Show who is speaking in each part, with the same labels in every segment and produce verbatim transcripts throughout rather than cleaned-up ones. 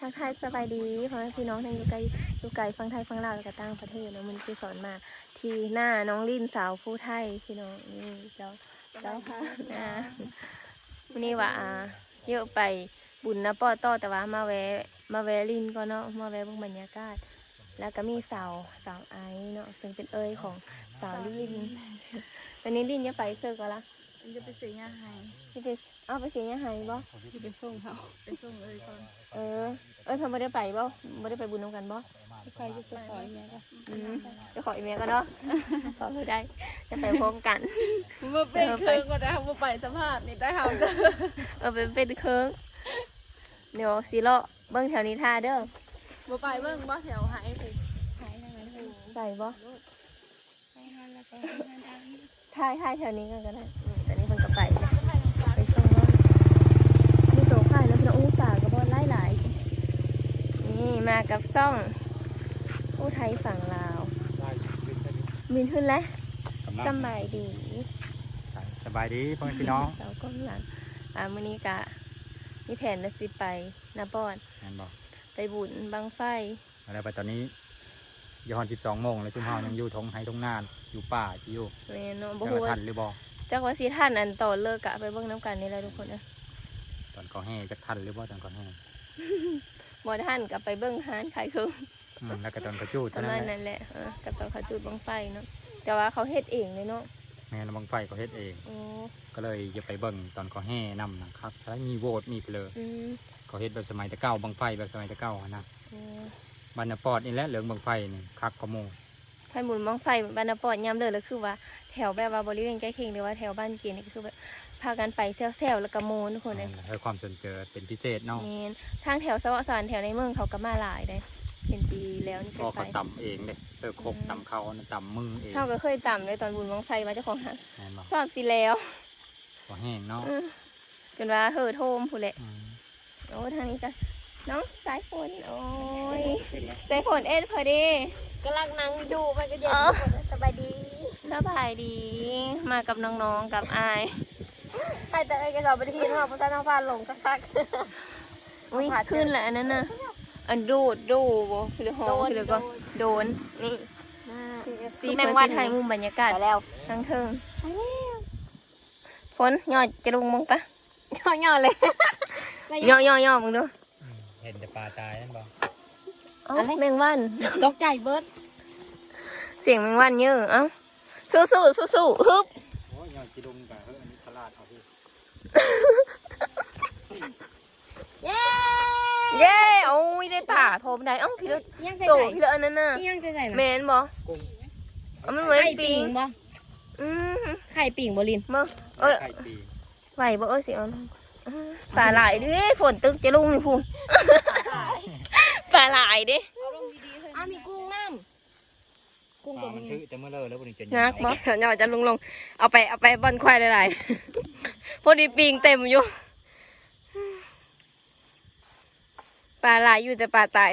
Speaker 1: ทักทายสบายดีพ่อแม่พี่น้องทั้งอยู่ไกลอยู่ไกลฟังไทยฟังลาวแล้วก็ต่างประเทศเนาะมันคือสอนมาที่หน้าน้องลิ่นสาวผู้ไทยพี่น้องนี่เจ้าเจ้าค่ะนะวันนี้ว่าเยอะไปบุญนะป้อต่อแต่ว่ามาแวะมาแวะลิ่นก็เนาะมาแวะเบิ่งบรรยากาศแล้วก็มีสาวสาวไอเนาะซึ่งเป็นเอ้ยของสาวลิ่นวันนี้ลิ่นจะไปเซอร์ก็ละ
Speaker 2: จะไปซื้อยาไฮ
Speaker 1: จะไปเอาไปเสียยาไฮบ่
Speaker 2: จะไปส่งเขาไปส่งเอ้ยก่อน
Speaker 1: เออเอ้ยเพิ่นบ่ได้ไปบ่บ่ได้ไปบุญนำกันบ่
Speaker 2: ใครจะไปขออีเมลก็
Speaker 1: อืมจะขออีเมลก็เนาะขอคือได้จะไปพร้อมกัน
Speaker 2: มาเป็นเครื่องก็ได้ค่ะมาไปสัมภาษณ์นี่ได้ค่ะ
Speaker 1: เออเป็นเป็นเครื่องเดี๋ยวสิเลาะเบิ่งแถวนี้ท่าเด้อ
Speaker 2: มาไปเบิ่งบ่แถวหายไปหายทางไหน
Speaker 1: ไปบ่
Speaker 2: ไปหาแล้วก็ทาง
Speaker 1: ท่ายท่ายแถวนี้กันก็ได้แต่นี่เพิ่นก็ไปไปส่งเนาะมีโตข่ายแล้วพี่น้องอู้ป่าก็บ่หลายๆนี่มากับซ่องผู้ไทยฝั่งลาวมินขึ้นแล้วสบายดี
Speaker 3: สบายดีพ่อแม่พี่น้อง
Speaker 1: สาวก้มหลังอ่ามื้อนี้กะมีแผนจะสิไปนาบอน
Speaker 3: แม่นบ่
Speaker 1: ไปบุญบังไฟ
Speaker 3: แล้วไปตอนนี้ย้อนสิบสองโมงแล้วชุมเฮายังอยู่ทงไห้ทงนานอยู่ป่าที่อยู่
Speaker 1: แม่นเนาะบ่
Speaker 3: ฮู้ว่าทันหรือบ่
Speaker 1: จักว่าสิทันอันต่อเลิกกะไปเบิ่งน้ำกันนี่แหละทุกคนเด้อ
Speaker 3: ตอนก่อแห่จักทันหรือบ่ตอนก่อแห่
Speaker 1: บ่ทันกะไปเบิ่งหานขายเครื่อง
Speaker 3: อืมแล้วก็ตอนเขาจูด
Speaker 1: เท่านั้นแหละเออกับตอนเขาจุดบังไฟเนาะแต่ว่าเขาเฮ็ดเองเลยเนาะ
Speaker 3: แม่นบังไฟเขาเฮ็ดเอง
Speaker 1: อ๋อ
Speaker 3: ก็เลยอย่าไปเบิ่งตอนก่อแห่นำนะครับแล้วมีโหวตมีเพลอ
Speaker 1: อืม
Speaker 3: เขาเฮ็ดแบบสมัยแต่เก่าบังไฟแบบสมัยแต่เก่านะ
Speaker 1: อ๋อ
Speaker 3: บ้านนาปอดนี่แหละเหลืองบังไฟนี่คักกว่าหมู่
Speaker 1: ท่านบุญบังไฟบ้านนาปอดยามเลิกแล้วคือว่าแถวแบบว่าบริเวณใกล้เคียงหรือว่าแถวบ้านเกียรนี่ก็คือแบบพากันไปแซวๆแล้วก็โมนทุกคนเลย
Speaker 3: ให้ความสนใจเป็นพิเศษเนาะ
Speaker 1: นี่ทางแถวสวะสวรรค์แถวในเมืองเขาก็มาหลายได้เป็นปีแล้วนี่
Speaker 3: ก็เขาต่ำเองเลยเสิร์ฟครบต่ำเขาต่ำมือเอง
Speaker 1: เขาก็เคยต่ำเลยตอนบุญบังไฟมาเจ้าของหาชอบสิแล้ว
Speaker 3: ก็แห้งเนาะ
Speaker 1: จนว่าเฮ่อโทมผู้แหละโอ้ทางนี้ก็น้องสายฝนโอ้ยสายฝนเอ็ดพอดี
Speaker 2: กำลังนั่งดูมันก็เย็นสบายดี
Speaker 1: สบายดีมากับน้องๆกับอาย
Speaker 2: ใครแต่ไอ้กระสอบไปที่ว่าพุทธนาฟาลงสักพัก
Speaker 1: อุ้ยขึ้นแหละอันนั้นน่ะอันดูดดูบ่คือหอคือก็โดนนี่ตีแมงวันไทยมุมบรรยากาศแล้วทั้งเทิงฝนย่อจะลงมึงปะย่อย่อเลยย่อย่อย่อมึงดู
Speaker 3: เห็นแต่ปลาตายนั่นบ่
Speaker 1: อะไรแมงวัน
Speaker 2: ตกใจเบิร์ด
Speaker 1: เสียงแมงวันเยอะเอ้าสู้สู้สู้สู้ฮึบ
Speaker 3: โอ้ยย่อจีดงกับเฮ้ยอันนี้ตลาดเอาพี่
Speaker 1: เย้เย้โอ้ยได้ป่าโทมได้เอ้าพี่เลิศโตพี่เลิศอันนั้นน่ะ
Speaker 2: ยังจะใส่
Speaker 1: เมนบ่เอามันเหมือนปิง
Speaker 2: บ่
Speaker 1: อืม
Speaker 2: ไข่ปิงบ่ลิน
Speaker 1: บ่เออไหวบ่เออสิเอาปลาหลายดิฝนตึกจะลุ่งนี่พูปลาหลายดิ
Speaker 2: อ่ะมีกุ้งน้ำกุ้งตัว
Speaker 3: มันถือแต่เมื่อเลิกแล้วบริจาค
Speaker 1: นักบ่เดี๋ยวจะลงลงเอาไปเอาไปบอนควายหลายๆพอดีปิงเต็มอยู่ปลาหลายอยู่แต่ปลาตาย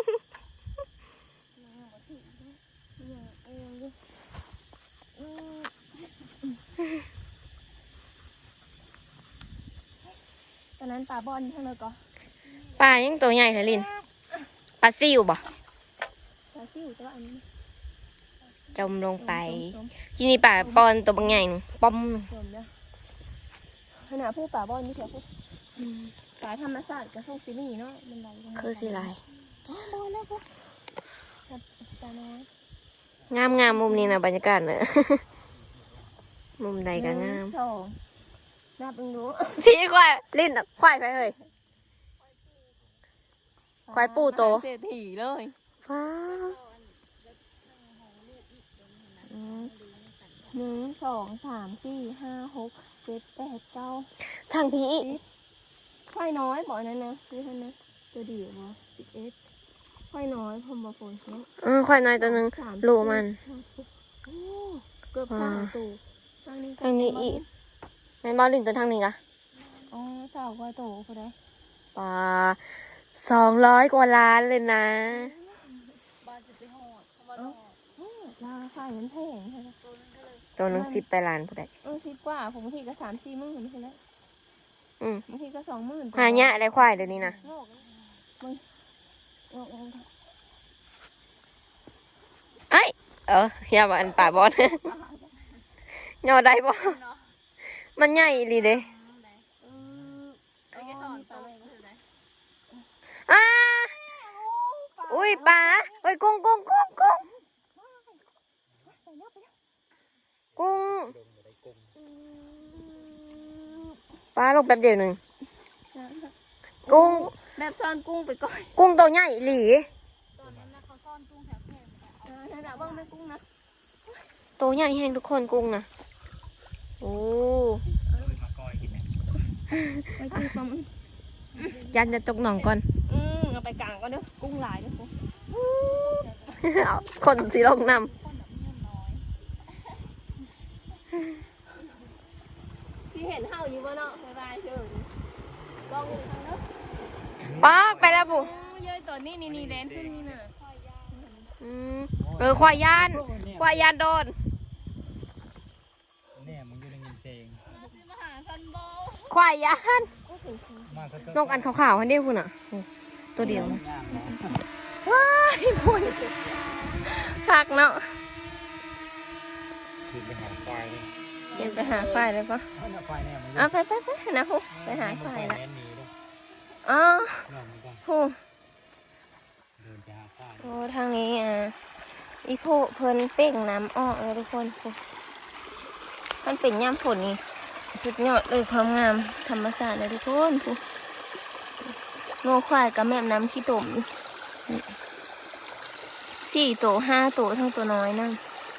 Speaker 1: ตอนนั้นปลาบอลทั้งเลยก็
Speaker 2: ปลายังตัวใหญ่แท้ลินปลาซิวบ่
Speaker 1: ปลาซิวตัวอันนี้
Speaker 2: จมลงไปที่นี่ปลาบอลตัวบางใหญ่หนึ่งป้อม
Speaker 1: ขนาดผู้ปลาบอลนี่เถอะผู้ปลาธรรมชาติกับพวกซีนี่เนาะมันไหล
Speaker 2: คือสิไหล
Speaker 1: บอลแล้วพวกปลาน้อย
Speaker 2: งามงามมุมนี้นะบรรยากาศเนอะมุมใดก็งาม
Speaker 1: นับมึงดู
Speaker 2: ชี้ควายลิ้นควายไปเลยควายปูโต
Speaker 1: เศรษฐีเลย
Speaker 2: ฟ้า
Speaker 1: หนึ่งสองสามสี่ห้าหกเจ็ดแปดเก้า
Speaker 2: ทางพี่
Speaker 1: ควายน้อยบอกนั่นนะคือท่านนะตัวเดียวบ่สิบเอ็ดควายน้อยพมบฝนเนาะ
Speaker 2: เออควายน้อยตัวนึงโลมัน
Speaker 1: เกือบสามตัว
Speaker 2: ทางนี้อีกแม่บอลลินตัวทางนี้กะ
Speaker 1: อ๋อสาวควายโตเขาได้
Speaker 2: ปลาสองร้อยกว่าล้านเลยนะ
Speaker 1: ราคามันแพงใช่ไหม
Speaker 2: ตัวนึงสิบไปล้านผู้ใด
Speaker 1: เออสิบกว่าผมบางทีก็สามสี่หมื่นไม่ใช่แล้ว
Speaker 2: อืม
Speaker 1: บางทีก็สองหมื่น
Speaker 2: หายะได้ควายเดี๋ยวนี้นะ
Speaker 1: บาง
Speaker 2: ไอ้เอออย่ามาอันป่าบอส ยอได้บ่มันใหญ่อีหลีเด้อ้าอุ้ยปลาเฮ้ยกุ้งกุ้งกุ้งกุ้งกุ้งปลาลงแป๊บเดียวหนึ่งกุ้ง
Speaker 1: แบบซ่อนกุ้งไปก่อน
Speaker 2: กุ้งตัวใหญ่อีหลี
Speaker 4: ตอนนั้นนะเขาซ่อนกุ้งแถวแพร่
Speaker 1: เออนั่นน่ะเบิ่งแม่กุ้งนะ
Speaker 2: ตัวใหญ่แห้งทุกคนกุ้งนะโอ้
Speaker 3: มาก้อยกินเนี่ย
Speaker 1: ไปกินปลาหมึก
Speaker 2: ยันจะตกหนองก่อน
Speaker 1: อืมเอาไปกลางก่อนเด้อกุ้งหลายเด้อกุ้ง
Speaker 2: เอาคนสีลงน
Speaker 1: ที่เห็นเห่าอยู่บ่เนาะบ๊ายบายเชิญลองอยู่ทางเด้อ
Speaker 2: ำป๊อกไปแล้วปุ๊
Speaker 1: อืมเย้ยตอนนี้นี่นี่แดนขึ้นนี่น่ะ
Speaker 2: อืมเออควายยานควายยานโดน
Speaker 3: เนี่ยมึงอยู่ในเงินเจง
Speaker 4: มหาซันโบ
Speaker 2: ควายยาน
Speaker 3: มากก็
Speaker 2: นกอันขาวๆอันเดียวคุณอ่ะโอ้ตัวเดียว
Speaker 3: ย่างเนาะ
Speaker 2: ว้ายพุ่นคักเนาะ
Speaker 3: คือไปหาควายเลย
Speaker 1: เย็นไปหาควายเลยปะ
Speaker 3: เอาหน้าควายเนี่ยมึง
Speaker 1: เอาไปไปไปนะฮูไปหาควายละ
Speaker 3: แม่นหนีลูก
Speaker 1: อ๋อ
Speaker 3: น้องมึงก็
Speaker 1: ฮู
Speaker 3: เดินไปหาควาย
Speaker 1: โอ้ทางนี้อ่ะอีโพเพิ่นเป่งน้ำออกเลยทุกคนฮูมันเป็นย่ำฝนนี่สุดยอดเลยความงามธรรมชาติเลยทุกคนฮูโง่ควายกับแม่น้ำขี้ตุ่มนี่สี่ตัวห้าตัวทั้งตัวน้อยนั่ง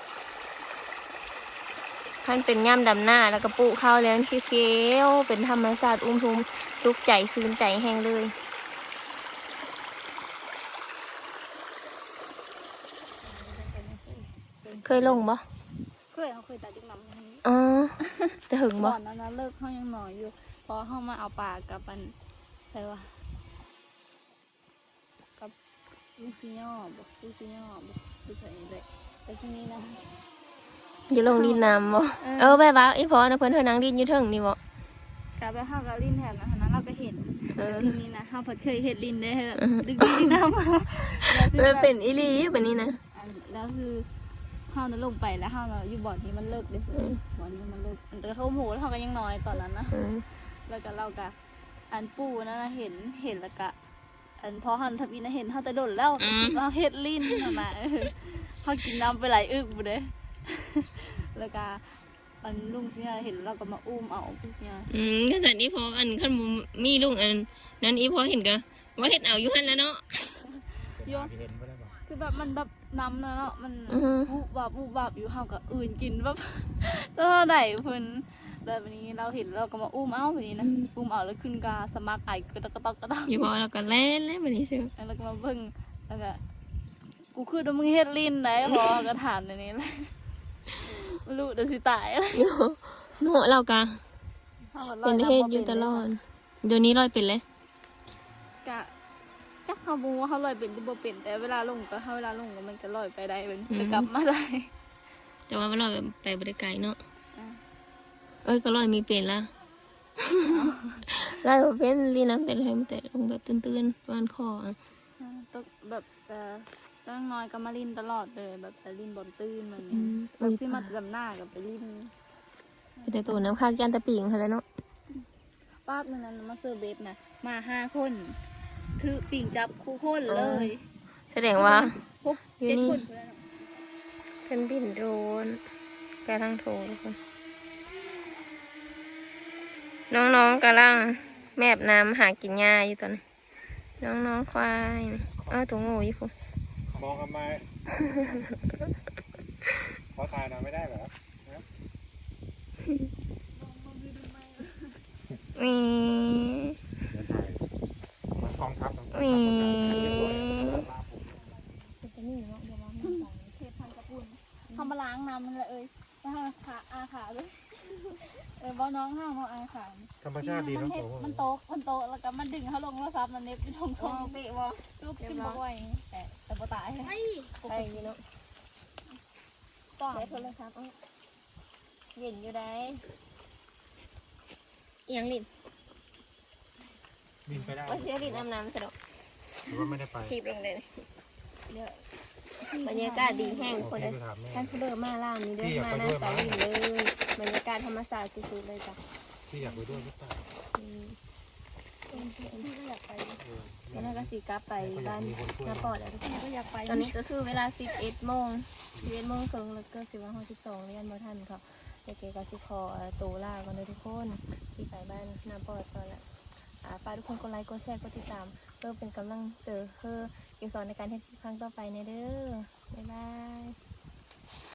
Speaker 1: ท่านเป็นย่ำดำหน้าแล้วก็ปลูกข้าวเลี้ยงเขียวๆเป็นธรรมชาติอุ้มทุมสุขใจซื่นใจแห้งเลยเคยลงบ่
Speaker 4: เคยเขาเคยตัดดิ้งน้ำ
Speaker 1: อ๋อจะหึงบ่
Speaker 4: ก่อนนั้นนะเลิกเขายังหน่อยอยู่ พอเข้ามาเอาปลากับมันอะไรวะกับลูกซีย่อบอกลูกซีย่อบอกลูกใส่เลยแต่ที่นี้นะ
Speaker 1: อยู่ลงดินน้ำบ่
Speaker 4: เออ
Speaker 1: เออแบบว่าอีพอนะเพิ่นเธอนั่งดินอยู่เทิงนี่บ่
Speaker 4: กลับไปเข้ากับลินแถบนะฮะนั้นเราก็เห็น
Speaker 1: เอ
Speaker 4: แต่
Speaker 1: อ
Speaker 4: ที่นี้นะเขาเคยเห็นลินได้แบบดึกดินน้ำมาแล้วคือ
Speaker 1: มัน
Speaker 4: แบบ
Speaker 1: เป็นอีหลีแบบนี้นะ
Speaker 4: อันแล้วคือเขานั้นลงไปแล้วเขาเราอยู่บ่อนนี้มันเลิกเลยบ่อนนี้มันเลิกแต่เขาโมโหแล้วเขาก็ยังน้อยตอนนั้นนะ
Speaker 1: เออ
Speaker 4: แล้วก็เราก็อันปู่นั่นนะเห็นเห็นแล้วก็อันพอหันทับอินนะเห็นเขาแต่โดนแล้วเราเฮ็ดลิ้นน่ะนะเออเขากินน้ำไปหลายอึกบุเด้ แล้วก็อันลุงเนี่ยเห็นเราก็มาอุ้มเอาพวกเนี่ย
Speaker 1: อืมก็สันอีพออันคันบ่มีลุงอันนั้นอีพอเห็นก็ว่าเฮ็ดเอาอยู่หั่นแล้วเนาะ
Speaker 4: โยน
Speaker 3: เห็นก็ได้บอก
Speaker 4: คือแบบมันแบบน้ำนะเนาะมัน
Speaker 1: อือฮึ
Speaker 4: บุบบับบุบบับอยู่เฮาก็อื่นกินแบบ เท่าไหร่เพิ่นแบบนี้เราเห็นเราก็มาอุ้มเอาแบบนี้นะอุ้มเอาแล้วขึ้นกาสมัครไอ้กระตอกกระตอกกระตอก
Speaker 1: อีพอแล้วก็แล่นแล้วแบบนี้ซิ
Speaker 4: แล้วก็มาเบิ่งแล้วก็กูคือมึงเฮ็ดลิ้นได้พอก็ถามในนี้เลยไม่รู้เดี๋ยวสิตายอะไร
Speaker 1: อยู่โนเราก็เป็นเฮ็ดอยู่ตลอดเดี๋ยวนี้ลอยเป็นเลย
Speaker 4: กะจักเขาบูว่าเขาลอยเป็นที่บ่เป็นแต่เวลาลงก็เขาเวลาลงก็มันก็ลอยไปได้เป็นจะกลับมาได้
Speaker 1: แต่ว่ามันลอยไปบ่ได้ไกลเนาะ
Speaker 4: อ่า
Speaker 1: เอ้ยก็ลอยมีเป็นละลอยบ่เป็นลีน้ำแต่ลอยมันแต่ลงแบบตื้นๆประมาณคออ่ะ
Speaker 4: อ่าตกแบบเอ่อตั้งน้อยก็มาลินตลอดเลยแบบแต่ลินบนตื้นมัน
Speaker 1: อื
Speaker 4: เนี่ย
Speaker 1: ม
Speaker 4: แบบที่มาลำหน้ากับไปลิน
Speaker 1: แต่ตัวน้ำค้างยันตะปิงเขาเลยเนาะ
Speaker 4: ป้าบนั้นมาเซอร์เบสนะมาห้าคนถือปิ่งจับคู่คนเลย
Speaker 1: แสดงว่า
Speaker 4: พกเจ็ดคนเลยเนาะ
Speaker 1: เป็นบินโดรนกำลังโทรทุกคนน้องๆกำลังแมบน้ำหากินหญ้าอยู่ตอนนี้น้องๆควายนี่เอ้าตัวงูอยู่พุ่น
Speaker 3: มองทำไมขอถ่ายหน่อยไม่ได้เหรอ
Speaker 1: มี
Speaker 3: เดี๋ยวถ่ายกองทัพ
Speaker 1: มี
Speaker 4: จะนี่เนาะเดี๋ยวมาเทพันกระปุ่นเขามาล้างน้ำมันเลยเอ้ยแล้วเขาขาอาขาเลยเออบ่น้องห้ามเขาอาขา
Speaker 3: ธรรมชาติดี
Speaker 4: มั
Speaker 3: เนาะ
Speaker 4: เฮ็ด
Speaker 3: โอ้โห
Speaker 4: มันโตกมันโตกแล้วก็มันดึงเขาลงแล้วซับมันเน็บไปทงทงเตะวะลูกกินบ่ไหวแต่แต่บ่ตาย
Speaker 1: ไปอยู่เนาะ
Speaker 4: ต่อ
Speaker 1: ใช้โทรศัพท์เอาเย็นอยู่ได้เอียงลิ้น
Speaker 3: บินไปได้
Speaker 1: ว่าเสียลิ้นอาบน้ำสะดอก
Speaker 3: หรือว่าไม่ได้ไป
Speaker 2: ทีบลงเลย
Speaker 1: เด้อบรรยากาศดีแห้ง
Speaker 3: โอ
Speaker 1: คน
Speaker 3: เค
Speaker 1: เลย
Speaker 3: ไปถามแม่
Speaker 1: ท่านเดินมาล่างนี้เด้
Speaker 3: พี่อยาก
Speaker 1: มา
Speaker 3: ไป
Speaker 1: หน้า
Speaker 3: ด้วย
Speaker 1: สา
Speaker 3: ไหม
Speaker 1: ลินเลยบรรยากาศธรรมศาสตร์สุดๆเลยจ้ะ
Speaker 3: พี่อยากไปด้วยหรือเปล่า
Speaker 1: อืม
Speaker 4: พี่ก็อยากไป
Speaker 3: เออ
Speaker 1: แล้วนั่นก็สีกลับไปบ้านนาปอดแล้วทุกคน
Speaker 4: พี่ก็อยากไป
Speaker 1: ตอนนี้ก็คือเวลาสิบเอ็ดโมงสิบเอ็ดโมงครึ่งแล้วก็สิบวันห้าสิบสองเรียนมาทันค่ะเด็กๆก็สิขอตัวลาก่อนเลยทุกคนที่ไปบ้านนาปอดก่อนละอ่าฝากทุกคนกดไลค์กดแชร์กดติดตามเพื่อเป็นกำลังเจอเพื่อเกี่ยวสอนในการเฮ็ดคลิปครั้งต่อไปในเด้อบ๊ายบาย